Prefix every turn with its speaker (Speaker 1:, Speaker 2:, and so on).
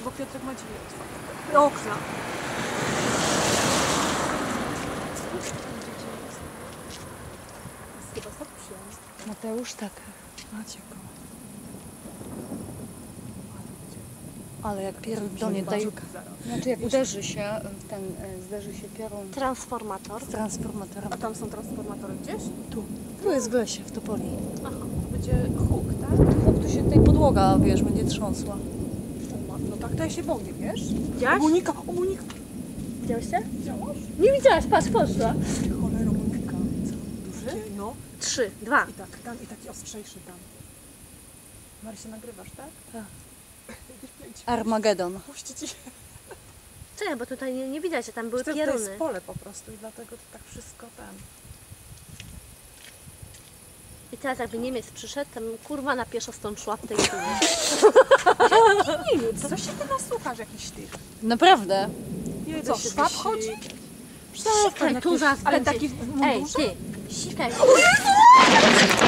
Speaker 1: Bo Piotrek ma drzwi otwarte. Okna. Chyba tak przyjemny.
Speaker 2: Mateusz, tak.
Speaker 1: Macie go.
Speaker 2: Ale jak pierdolnie daje... Znaczy jak uderzy się w ten, zderzy się piorun
Speaker 3: Transformator.
Speaker 2: z transformatorem.
Speaker 1: A tam są transformatory gdzieś?
Speaker 2: Tu jest w lesie, w Topoli.
Speaker 1: Aha, to będzie huk, tak?
Speaker 2: Tu się tutaj podłoga, wiesz, będzie trząsła.
Speaker 1: No tak, to ja się boję, wiesz?
Speaker 3: Widziałaś?
Speaker 1: Monika!
Speaker 3: Widziałeś się?
Speaker 1: Widziałaś?
Speaker 3: Nie widziałaś, patrz, poszła.
Speaker 1: Cholera, Monika. Co? Duży? No.
Speaker 3: 3, 2.
Speaker 1: I tak, tam i taki ostrzejszy tam. Marysia, nagrywasz, tak?
Speaker 2: Tak.
Speaker 1: Jakieś pięć.
Speaker 2: Armagedon.
Speaker 1: Puści ci.
Speaker 3: Czekaj, bo tutaj nie widać, że tam były
Speaker 1: Myślę, że to
Speaker 3: pieruny.
Speaker 1: jest pole po prostu i dlatego to tak wszystko tam.
Speaker 3: I teraz jakby Niemiec przyszedł, tam kurwa na pieszo stąd szła w tej chwili.
Speaker 1: Nie, co się ty nasłuchasz jakiś tych?
Speaker 2: Naprawdę?
Speaker 1: Co, szwab chodzi?
Speaker 3: Sikaj, tu zaraz
Speaker 1: Ale
Speaker 3: będzie.
Speaker 1: taki w
Speaker 3: Ej,
Speaker 1: mundurze?
Speaker 3: ty, sikaj.